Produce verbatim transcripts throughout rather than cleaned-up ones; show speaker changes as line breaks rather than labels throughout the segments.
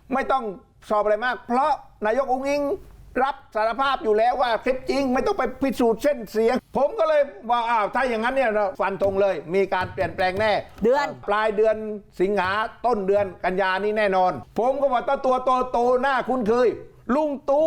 ไม่ต้องสอบอะไรมาก เพราะนายกอุ๊งอิ๊งรับสารภาพอยู่แล้วว่าคลิปจริงไม่ต้องไปพิสูจน์เส้นเสียงผมก็เลยว่าอ้าวถ้าอย่างนั้นเนี่ยเราฟันธงเลยมีการเปลี่ยนแปลงแน่
เดือน
ปลายเดือนสิงหาต้นเดือนกันยานี้แน่นอนผมก็ว่าตัวตัวโตโตหน้าคุ้นเคยลุงตู่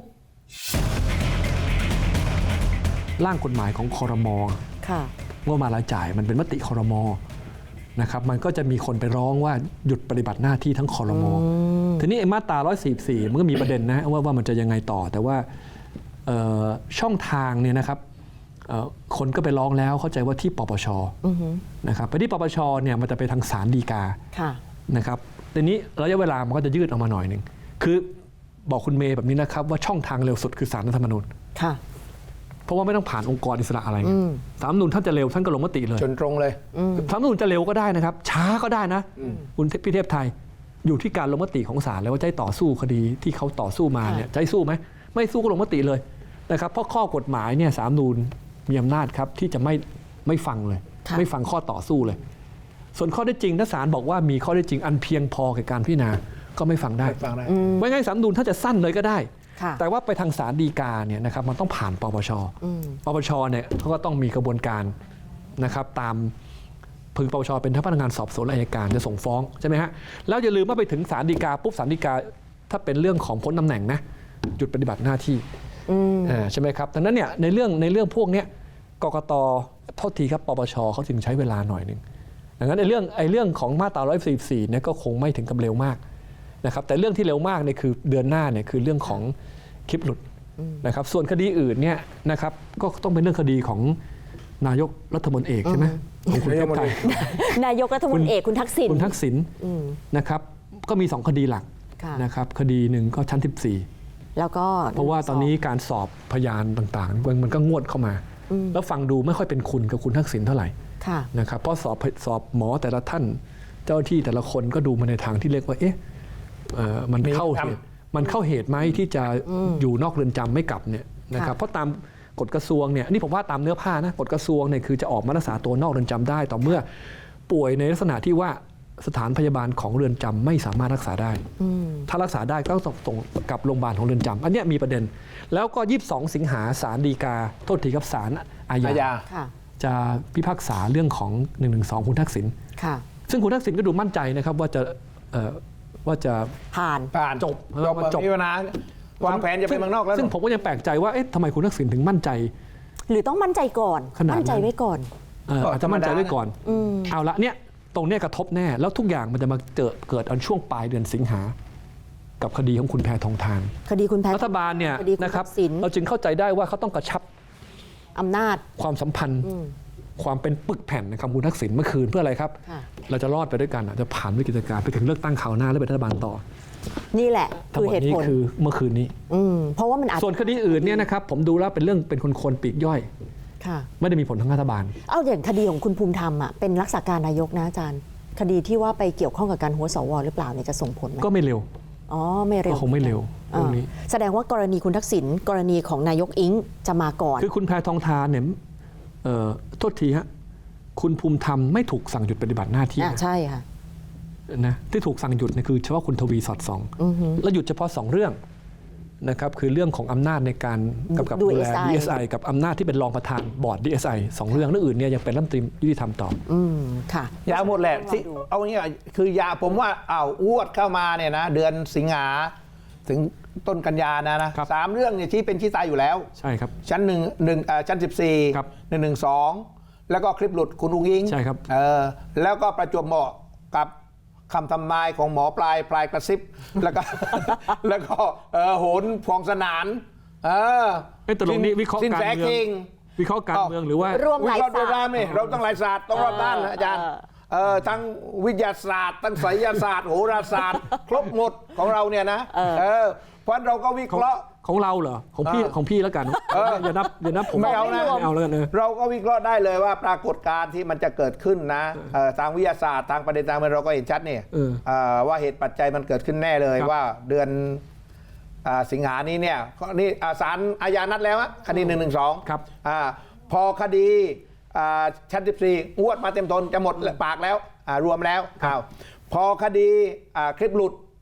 ร่างกฎหมายของครม.
ค่ะ
งบประมาณรายจ่ายมันเป็นมติครม.นะครับมันก็จะมีคนไปร้องว่าหยุดปฏิบัติหน้าที่ทั้งครม.ทีนี้ไอ้มาตราหนึ่งร้อยสี่สิบสี่มันก็มีประเด็นนะว่าว่ามันจะยังไงต่อแต่ว่าช่องทางเนี่ยนะครับคนก็ไปร้องแล้วเข้าใจว่าที่ปปช.นะครับไปที่ปปช.เนี่ยมันจะไปทางศาลฎีกานะครับทีนี้ระยะเวลามันก็จะยืดออกมาหน่อยหนึ่งคือบอกคุณเมย์แบบนี้นะครับว่าช่องทางเร็วสุดคือศาลรัฐธรรมนูญเพราะว่าไม่ต้องผ่านองค์กรอิสระอะไรศาลรัฐธรรมนูญท่านจะเร็วท่านก็ลงมติเลย
จนตรงเลย
ศาลรัฐธรรมนูญจะเร็วก็ได้นะครับช้าก็ได้นะคุณพี่เทพไทยอยู่ที่การลงมติของศาลแล้วว่าจะต่อสู้คดีที่เขาต่อสู้มาเนี่ยจะสู้ไหมไม่สู้ก็ลงมติเลยนะครับเพราะข้อกฎหมายเนี่ยศาลรัฐธรรมนูญมีอำนาจครับที่จะไม่ไม่ฟังเลยไม่ฟังข้อต่อสู้เลยส่วนข้อได้จริงถ้าศาลบอกว่ามีข้อได้จริงอันเพียงพอแก่การพิจารณาก็ไม่ฟังได้ไม่งั้นศาลรัฐธรรมนูญถ้าจะสั้นเลยก็ได้แต่ว่าไปทางศาลฎีกาเนี่ยนะครับมันต้องผ่านปปชปปชเนี่ยเขาก็ต้องมีกระบวนการนะครับตามพึงปปชเป็นทั้งพนักงานสอบสวนและอัยการจะส่งฟ้องใช่ไหมฮะแล้วอย่าลืมว่าไปถึงศาลฎีกาปุ๊บศาลฎีกาถ้าเป็นเรื่องของพ้นตำแหน่งนะหยุดปฏิบัติหน้าที่ใช่ไหมครับดังนั้นเนี่ยในเรื่องในเรื่องพวกนี้กกต.โทษทีครับปปชเขาจึงใช้เวลาหน่อยนึงดังนั้นในเรื่องไอ้เรื่องของมาตราหนึ่งร้อยสี่สิบสี่เนี่ยก็คงไม่ถึงกับเร็วมากนะครับแต่เรื่องที่เร็วมากเนี่ยคือเดือนหน้าเนี่ยคือเรื่องของคลิปหลุดนะครับส่วนคดีอื่นเนี่ยนะครับก็ต้องเป็นเรื่องคดีของนายกรัฐมนตรีเอกใช่ไหมของคุณเทพไทย
นายกรัฐมนตรีเอกคุณทักษิณ
คุณทักษิณนะครับก็มีสองคดีหลักนะครับคดีหนึ่งก็ชั้นสิบสี่
แล้วก็
เพราะว่าตอนนี้การสอบพยานต่างๆมันก็งวดเข้ามาแล้วฟังดูไม่ค่อยเป็นคุณกับคุณทักษิณเท่าไหร่นะครับเพราะสอบสอบหมอแต่ละท่านเจ้าหน้าที่แต่ละคนก็ดูมาในทางที่เรียกว่าเอ๊ะมันเข้าเหตุมันเข้าเหตุไหมที่จะอยู่นอกเรือนจำไม่กลับเนี่ยนะครับเพราะตามกฎกระทรวงเนี่ยนี่ผมว่าตามเนื้อผ้านะกฎกระทรวงเนี่ยคือจะออกมารักษาตัวนอกเรือนจำได้ต่อเมื่อป่วยในลักษณะที่ว่าสถานพยาบาลของเรือนจำไม่สามารถรักษาได้ถ้ารักษาได้ก็ต้องส่งกลับโรงพยาบาลของเรือนจำอันนี้มีประเด็นแล้วก็ยี่สิบสองสิงหาศาลฎีกาโทษทีครับศาลอาญาจะพิพากษาเรื่องของหนึ่งหนึ่งสองคุณทักษิณซึ่งคุณทักษิณก็ดูมั่นใจนะครับว่าจะว่าจะ
ผ่าน
ผ่าน
จบ
จบมีปัญหาวางแผนจะไปเมืองนอกแล้ว
ซึ่งผมก็ยังแปลกใจว่าเอ๊ะทำไมคุณทักษิณถึงมั่นใจ
หรือต้องมั่นใจก่อนมั่นใจไว้ก่อน
อาจจะมั่นใจไว้ก่อนเอาละเนี่ยตรงนี้กระทบแน่แล้วทุกอย่างมันจะมาเจอเกิดอันช่วงปลายเดือนสิงหากับคดีของคุณแพทองธาร
คดีคุณแพ
รัฐบาลเนี่ยนะครับเราจึงเข้าใจได้ว่าเขาต้องกระชับ
อำนาจ
ความสัมพันธ์ความเป็นปึกแผ่นนะครับคุณทักษิณเมื่อคืนเพื่ออะไรครับเราจะรอดไปด้วยกันจะผ่านวิกฤตการณ์ไปถึงเลือกตั้งคราวหน้าแล้วเป็นรัฐบาลต่อ
นี่แหละคือเหตุผล
คือเมื่อคืนนี้
เพราะว่ามัน
ส่วนคดีอื่นเนี่ยนะครับผมดูแล้วเป็นเรื่องเป็นคนคนปีกย่อยไม่ได้มีผลทางรัฐบาล
เอาอย่างคดีของคุณภูมิธรรมอ่ะเป็นรักษาการนายกนะอาจารย์คดีที่ว่าไปเกี่ยวข้องกับการหัวสวหรือเปล่าเนี่ยจะส่งผลไหม
ก็ไม่เร็ว
อ๋อไม่เร็ว
ก็คงไม่เร็วตรงนี้
แสดงว่ากรณีคุณทักษิณกรณีของนายกอิงจะมาก่อน
คือคุณแพทองธารเนี่ยโทษทีฮะคุณภูมิธรรมไม่ถูกสั่งหยุดปฏิบัติหน้าที่
ใช่ค่ะ
นะที่ถูกสั่งหยุดเนี่ยคือเฉพาะคุณทวีสอดส่องแล้วหยุดเฉพาะสองเรื่องนะครับคือเรื่องของอำนาจในการกำกับดูแล ดี เอส ไอ กับอำนาจที่เป็นรองประธานบอร์ด ดี เอส ไอ สองเรื่องเรื่องอื่นเนี่ยยังเป็นรัฐมนตรียุติธรรมต่อ
อืมค่ะ
ยาวหมดแหละเอางี้คือยาผมว่าอ้าวอ้วดเข้ามาเนี่ยนะเดือนสิงหาถึงต้นกันยานะนะสามเรื่องเนี่ยที่เป็นชี้ตายอยู่แล้ว
ใช่ครับ
ชั้นหนึ่งหนึ่งชั้นสิบสี่หนึ่งหนึ่งสองแล้วก็คลิปหลุดคุณอุ้งอิง
ใช่ครับ
เออแล้วก็ประจวบเหมาะกับคำทำนายของหมอปลายปลายกระซิบแล้วก็แล้วก็โหนพวงสนานเออ
ไอ้ตรงนี้วิเคราะห์การเมืองวิเคราะห์การเมืองหรือว่า
วิเคราะห์ด้วยด้านนี่เราต้องหลายศาสตร์ต้องรอบด้านนะอาจารย์เออทั้งวิทยาศาสตร์ทั้งไสยศาสตร์โหราศาสตร์ครบหมดของเราเนี่ยนะเออเพราะเราก็วิเคราะห์
ของเราเหรอของพี่ของพี่แล้วกันอย่านับอย่านับผม
ไม่เอานะ
ไม่เอาแล้วกัน
เราก็วิเคราะห์ได้เลยว่าปรากฏการณ์ที่มันจะเกิดขึ้นนะทางวิทยาศาสตร์ทางประเด็นทางเราก็เห็นชัดนี่ว่าเหตุปัจจัยมันเกิดขึ้นแน่เลยว่าเดือนสิงหานี้เนี่ยนี่ศาลอาญานัดแล้วคดีหนึ่งหนึ่งสอง
ครับ
พอคดีชั้นสิบสี่งวดมาเต็มทนจะหมดปากแล้วรวมแล้วพอคดีคลิปหลุด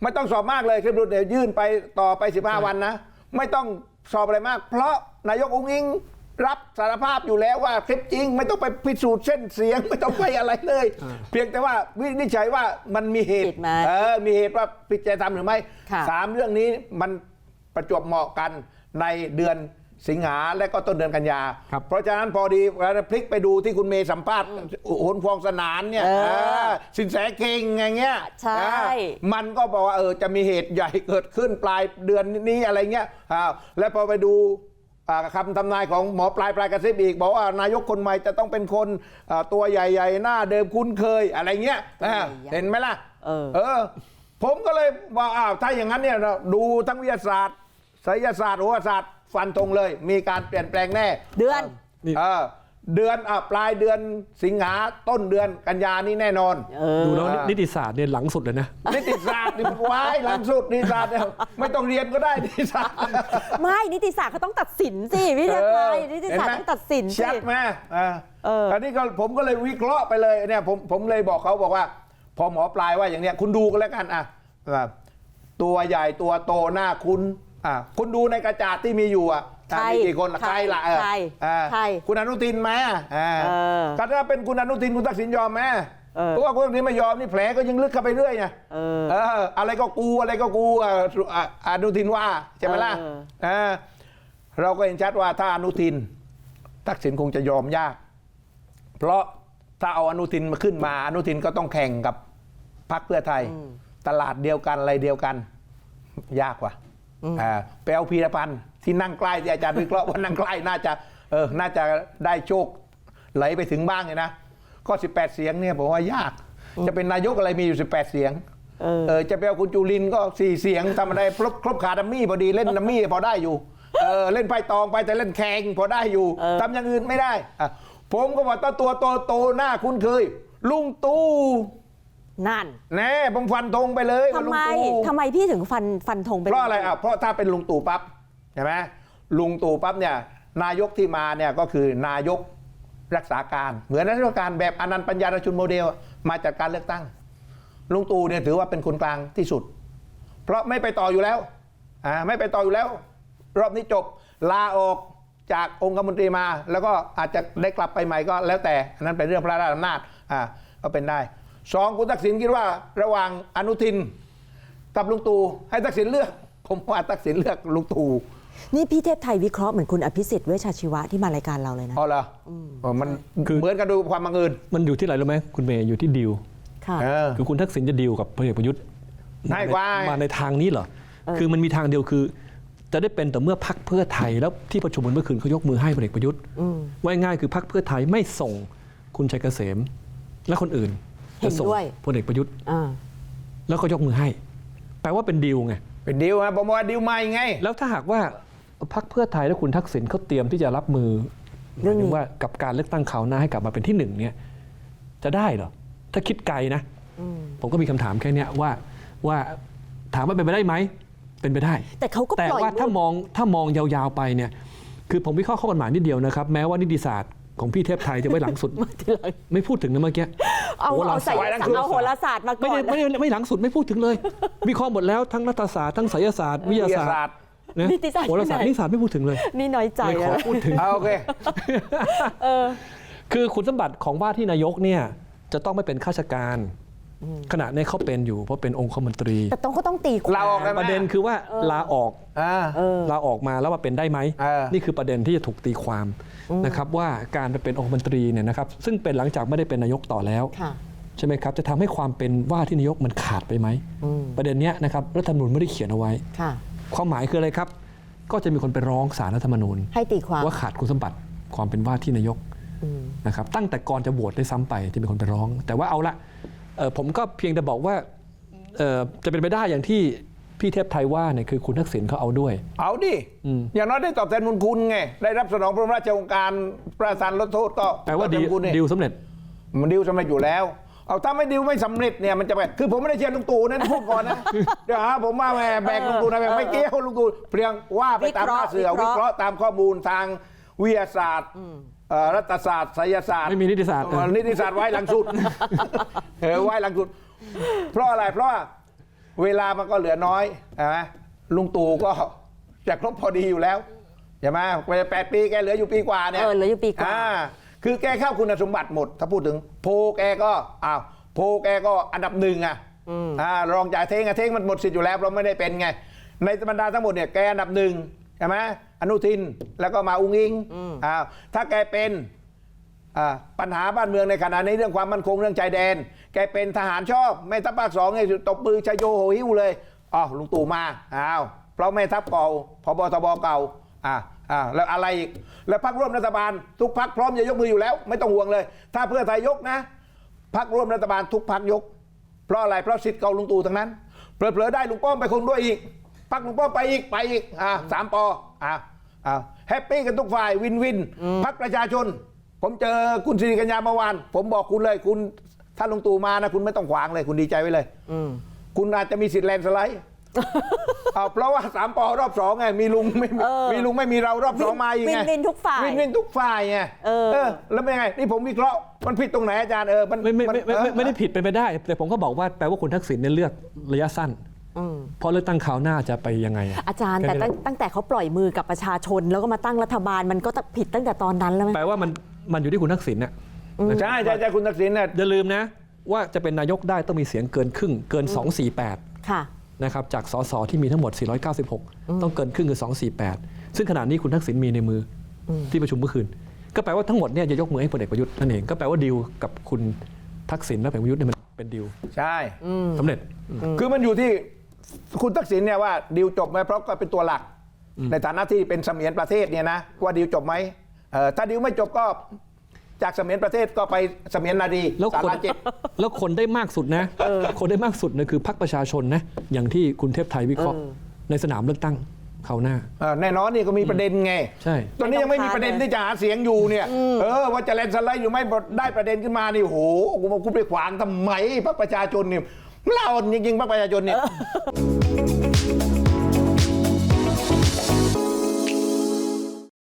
ไม่ต้องสอบมากเลยคลิปหลุดเดี๋ยวยื่นไปต่อไปสิบห้าวันนะไม่ต้องสอบอะไรมาก เพราะนายกอุ๊งอิ๊งรับสารภาพอยู่แล้วว่าคลิปจริงไม่ต้องไปพิสูจน์เส้นเสียงไม่ต้องไปอะไรเลย เพียงแต่ว่าวินิจฉัยว่ามันมีเหตุ
ผิดไหม
เออมีเหตุว่าผิดจริยธรรมหรือไม่
ค่ะ
สามเรื่องนี้มันประจวบเหมาะกันในเดือนสิงหาและก็ต้นเดือนกันยา
ครับ
เพราะฉะนั้นพอดีเราพลิกไปดูที่คุณเมย์สัมภาษณ์โหนฟองสนานเนี่ย
เออ
เออสินแสเก่งอย่างเงี้ย
ใช่
เออมันก็บอกว่าเออจะมีเหตุใหญ่เกิดขึ้นปลายเดือนนี้อะไรเงี้ยอ้าวแล้วพอไปดูอ่าคำทำนายของหมอปลายปลายกระซิบอีกบอกว่านายกคนใหม่จะต้องเป็นคนอ่าตัวใหญ่ๆหน้าเดิมคุ้นเคยอะไรเงี้ยอ่าเห็นไหมล่ะ
เออ
เออ ผมก็เลยว่าอ้าวถ้าอย่างนั้นเนี่ยเราดูทั้งวิทยาศาสตร์ไสยศาสตร์โหราศาสตร์ฟันธงเลย มีการเปลี่ยนแปลงแน่
เดือน
นี่
เออเดือนอ่ะปลายเดือนสิงหาต้นเดือนกันยานี่แน่นอน
เออ
ดูแล้วนิติศาสตร์เนี่ยหลังสุดเลยนะ
นิติศาสตร์นี่มันไว้หลังสุดนิติศาสตร์เนี่ยไม่ต้องเรียนก็ได้นิติศาสตร์
ไม่นิติศาสตร์เขาต้องตัดสินสิวิทยาศาสตร์นิติศาสตร์ต้องตัดสินสิ
ชัดไหมอ่า
เออ
อันนี้ก็ผมก็เลยวิเคราะห์ไปเลยเนี่ยผมผมเลยบอกเขาบอกว่า พอหมอปลายว่าอย่างเนี้ยคุณดูกันแล้วกันอ่ะอ่าตัวใหญ่ตัวโตหน้าคุณอ่าคุณดูในกระจาดที่มีอยู่อ่ะ
ใคร
มีกี่คนล่ะ
ใคร
ใครล่ะเออ
ใคร
อ่า
ใคร
คุณอนุทินไหมอ่า
เออ
ก็ถ้าเป็นคุณอนุทินคุณทักษิณยอมไหม
เออ
เพราะว่าคุณอนุทินไม่ยอมนี่แผลก็ยังลึกเข้าไปเรื่อยไง
เออ
เอออะไรก็กูอะไรก็กูอ่ะอ่ะอนุทินว่าใช่ไหมล่ะ
เออ
เออเราก็เห็นชัดว่าถ้าอนุทินทักษิณคงจะยอมยาก เพราะถ้าเอาอนุทินมาขึ้นมาอนุทินก็ต้องแข่งกับพรรคเพื่อไทย ตลาดเดียวกันอะไรเดียวกัน ยากกว่าอ่าไปเอาพีรพันธ์ที่นั่งใกล้ที่อาจารย์วิเคราะห์ว่านั่งใกล้น่าจะเออน่าจะได้โชคไหลไปถึงบ้างเลยนะก็สิบแปดเสียงเนี่ยผมว่ายาก จะเป็นนายกอะไรมีอยู่สิบแปดเสียง
เออ
เออจะไปเอาคุณจุลินทร์ก็สี่เสียงทำอะไรครบครบขาดัมมี่พอดีเล่นดัมมี่พอได้อยู่เออเล่นไพ่ตองไปแต่เล่นแข่งพอได้อยู่
เออ
ทำอย่างอื่นไม่ได้อ่ะผมก็บอกตัวตัวโตโตหน้าคุ้นเคย ลุงตู่
นั่น
แน่ผมฟันธงไปเลย
ทำ
ว่าลุง
ไม
ตู่
ทำไมพี่ถึงฟันฟันธงเป็น
เพราะอะไรอ่ะเพราะถ้าเป็นลุงตู่ปั๊บใช่ไหมลุงตู่ปั๊บเนี่ยนายกที่มาเนี่ยก็คือนายกรักษาการเหมือนรัฐการแบบอนันต์ปัญญารชุนโมเดลมาจากการเลือกตั้งลุงตู่เนี่ยถือว่าเป็นคนกลางที่สุด เพราะไม่ไปต่ออยู่แล้วอ่าไม่ไปต่ออยู่แล้ว รอบนี้จบลาออกจากองคมนตรีมา แล้วก็อาจจะได้กลับไปใหม่ก็แล้วแต่อันนั้นเป็นเรื่องพระราชอำนาจอ่าก็เป็นได้สองคุณทักษิณคิดว่าระหว่างอนุทินกับลุงตู่ให้ทักษิณเลือกผมว่าทักษิณเลือกลุงตู่
นี่พี่เทพไทยวิเคราะห์เหมือนคุณอภิสิทธิ์เวชชาชีวะที่มารายการเราเลยนะ
อ๋อเหรออ๋อมัน
คือ
เหมือนกันดูความบังเอิญ
มันอยู่ที่ไหนรู้ไหมคุณเมย์อยู่ที่ดีล
ค่ะ
เออ
คือคุณทักษิณจะดีลกับพลเอกประยุทธ์
ง่ายกว่า
มาในทางนี้เหรอ คือมันมีทางเดียวคือ จะได้เป็นแต่เมื่อพรรคเพื่อไทยแล้วที่ประชุมกันเมื่อคืนเขายกมือให้พลเอกประยุทธ์ว่าง่ายคือพรรคเพื่อไทยไม่ส่งคุณชัยเกษม และคนอื่น
เห็น
จะส่ง
ด้วย
พลเอกประยุทธ์
อ่า
แล้วก็ยกมือให้ แปลว่าเป็นดีลไง
เป็นดีลฮะผมว่าดีลใหม่ไง
แล้วถ้าหากว่าพรรคเพื่อไทยและคุณทักษิณเขาเตรียมที่จะรับมือ
เรื่องนี้
หมายถึงว่ากับการเลือกตั้งคราวหน้าให้กลับมาเป็นที่หนึ่งเนี่ยจะได้เหรอถ้าคิดไกลนะ ผมก็มีคำถามแค่เนี้ยว่าว่าถามว่าเป็นไปได้ไหมเป็นไปได้
แต่เขาก็
แต่
ปล่อย
ว่าถ้า
ลูก
มองถ้ามองยาวๆไปเนี่ยคือผมวิเคราะห์ข้อกฎหมายนิดเดียวนะครับ แม้ว่านิติศาสตร์ของพี่เทพไทยจะไว้หลังสุด ไม่พูดถึงนะเมื่อกี้
เอา
โหรา
เอา
ศา
ใส่
สตร์
เอาโหราศาสตร์มาก่
ไม่
อ
ได้
น
ไม่ได้ไม่หลังสุดไม่พูดถึงเลยวิเคราะห์หมดแล้วทั้งรัฐศาสตร์ทั้งไสยศาสตร์วิทยาศาสตร์นะ
นิติศาสตร์
โหราศาสตร์
ที่ไหน
นิติศาสตร์ไม่พูดถึงเลย
นี่น้อยใจ
ไม่ขอ
แล้ว
พูดถึง
เอาโอเค
คือคุณสมบัติของว่าที่นายกเนี่ยจะต้องไม่เป็นข้าราชการขณะนี้เขาเป็นอยู่เพราะเป็นองคมนตรี
แต่ต้องก็ต้องตีความ
ลาออกได้ไหม
ประเด็นคือว่าลาออก
อ่า
เออ
ลาออกมาแล้วมาเป็นได้ไหม
เออ
นี่คือประเด็นที่จะถูกตีความนะครับว่าการไปเป็นองคมนตรีเนี่ยนะครับซึ่งเป็นหลังจากไม่ได้เป็นนายกต่อแล้ว
ค่ะ
ใช่ไหมครับจะทำให้ความเป็นว่าที่นายกมันขาดไปไหมประเด็นเนี้ยนะครับรัฐธรรมนูญไม่ได้เขียนเอาไว้
ค่ะ
ความหมายคืออะไรครับ ก็จะมีคนไปร้องศาลรัฐธรรมนูญ
ให้ตีความ
ว่าขาดคุณสมบัติความเป็นว่าที่นายกนะครับตั้งแต่ก่อนจะโหวตได้ซ้ำไปที่มีคนไปร้อง แต่ว่าเอาละเอ่อผมก็เพียงแต่บอกว่าเอ่อจะเป็นไปได้อย่างที่พี่เทพไทยว่าเนี่ยคือคุณทักษิณเขาเอาด้วย
เอาดิ
อืม
อย่างน้อยได้ตอบแทนบุญคุณไง ได้รับสนองพระราชโองการประทานลดโทษก็
แปลว่า
ตอบท
ดี
นบุญคุณนี่
ดีลสำเร็จ
มันดิวสำเร็จอยู่แล้ว เอาถ้าไม่ดิวไม่สำเร็จเนี่ยมันจะไปคือผมไม่ได้เชียร์ลุงตู่นั่นพูดก่อนนะ เดี๋ยวหาผมมาแหมแบกลุงตู่นะแบกไม่เกี่ยวลุงตู่เพียงว่าไปตามหน้าเสือ
วิ
วิ
เค
เค
ราะ
ราะ
ห์
ห์ตามข้อมูลทางวิทยาศาสตร์เอ่อรัฐศาสตร์ไสยศาสตร์
ไม่มีนิติศาสตร์
เอ่อนิติศาสตร์ไว้หลังสุด เออไว้หลังสุด เพราะอะไรเพราะว่าเวลามันก็เหลือน้อยใช่ไหมลุงตู่ก็จะครบพอดีอยู่แล้วใช่ไหมแปดปีแกเหลืออยู่ปีกว่าเนี่ย
เออเหลืออยู่ปีกว่า
คือแกเข้าคุณสมบัติหมด ถ้าพูดถึงโพลแกก็อ้าวโพลแกก็อันดับหนึ่งอ่ะอ่ารองจากเท้งอ่ะเท้งมันหมดสิทธิ์อยู่แล้วเราไม่ได้เป็นไงในบรรดาทั้งหมดเนี่ยแกอันดับหนึ่งใช่ไหมอนุทินแล้วก็มาอุ้งอิงอ้าวถ้าแกเป็นอ่าปัญหาบ้านเมืองในขณะนี้เรื่องความมั่นคงเรื่องชายแดนแกเป็นทหารชอบแม่ทัพภาคสองเนี่ยตบมือชโยโหหิ้วเลยอ๋อลุงตู่มาอ้าวเพราะแม่ทัพเก่าพบทบเก่าอ่าอ่าแล้วอะไรอีกแล้วพรรคร่วมรัฐบาลทุกพรรคพร้อมจะยกมืออยู่แล้วไม่ต้องห่วงเลยถ้าเพื่อไทยยกนะพรรคร่วมรัฐบาลทุกพรรคยกเพราะอะไรเพราะสิทธิ์เก่าลุงตู่ทั้งนั้นเผลอๆได้ลุงป้อมไปคงด้วยอีกพรรคลุงป้อมไปอีกไปอีกอ่าสามปออ่าอ่าแฮปปี้กันทุกฝ่ายวินวินพรรคประชาชนผมเจอคุณสิริกัญญาเมื่อวานผมบอกคุณเลยคุณถ้าลุงตู่มานะคุณไม่ต้องขวางเลยคุณดีใจไว้เลยคุณอาจจะมีสิทธิ์แลนด์สไลด์เอาเพราะว่าสามปอรอบสองไงมีลุงไม่มี
เออ
มีลุงไม่มีเรารอบสองมาอีกไง
วินวินทุกฝ่าย
วินวินทุกฝ่ายไง
เออ
เออแล้วเป็นไงนี่ผมวิเคราะห์มันผิดตรงไหนอาจารย์เออมัน
ไม่ไม่ไม่ไม่ไม่
น
ไม่ได้ผิดเป็นไปได้ แต่ผมก็บอกว่าแปลว่าคุณทักษิณเนี่ยเลือกระยะสั้น
อืม
เพราะเลือกตั้งคราวหน้าจะไปยังไงอะ
อาจารย์แต่
แค่
ตั้
นี้
ง
แหละ
ตั้งแต่เขาปล่อยมือกับประชาชน แล้วก็มาตั้งรัฐบาลมันก็ผิดตั้งแต่ตอนนั้นแล้วไหม
แปลว่ามันมันอยู่ที่คุณทักษิณน่ะ
ใช่ใช่ใช่คุณทักษิณเนี่ย
อย่าลืมนะว่าจะเป็นนายกได้ต้องมีเสียงเกินครึ่งเกิน สองสี่แปด
ค่ะ
นะครับจากสสที่มีทั้งหมด สี่ร้อยเก้าสิบหก ต้องเกินครึ่งคือ สองสี่แปด ซึ่งขณะนี้คุณทักษิณมีในมืออที่ประชุมเมื่อคืน ก็แปลว่าทั้งหมดเนี่ยจะยกมือให้พลเอกประยุทธ์นั่นเองก็แปลว่าดีลกับคุณทักษิณและพลเอกประยุทธ์เนี่ยมันเป็นดีล
ใช่
สำเร็จ
คือมันอยู่ที่คุณทักษิณเนี่ยว่าดีลจบไหมเพราะก็เป็นตัวหลัก ในฐานะที่เป็นเสมียนประเทศเนี่ยนะว่าดีลจบไหมเออถ้าดีลไม่จบก็จากเสมียนประเทศก็ไปเสมียนนาดี
แล้ว
สา
คน
ระเจ็ด
แล้วคนได้มากสุดนะคนได้มากสุดเนี่ยคือพรรคประชาชนนะอย่างที่คุณเทพไทยวิเคราะห์ในสนามเลือกตั้งคราวหน้า
เออแน่นอนนี่ก็มีประเด็นไง
ใช่
ตอนนี้ยังไม่มีประเด็นที่จะหาเสียงอยู่เนี่ยเออว่าจะแลนด์สไลด์อยู่ไม่ได้ประเด็นขึ้นมานี่โหกูมากูไปขวางทำไมพรรคประชาชนเนี่ยเล่าจริงๆพรรคประชาชนเนี่ย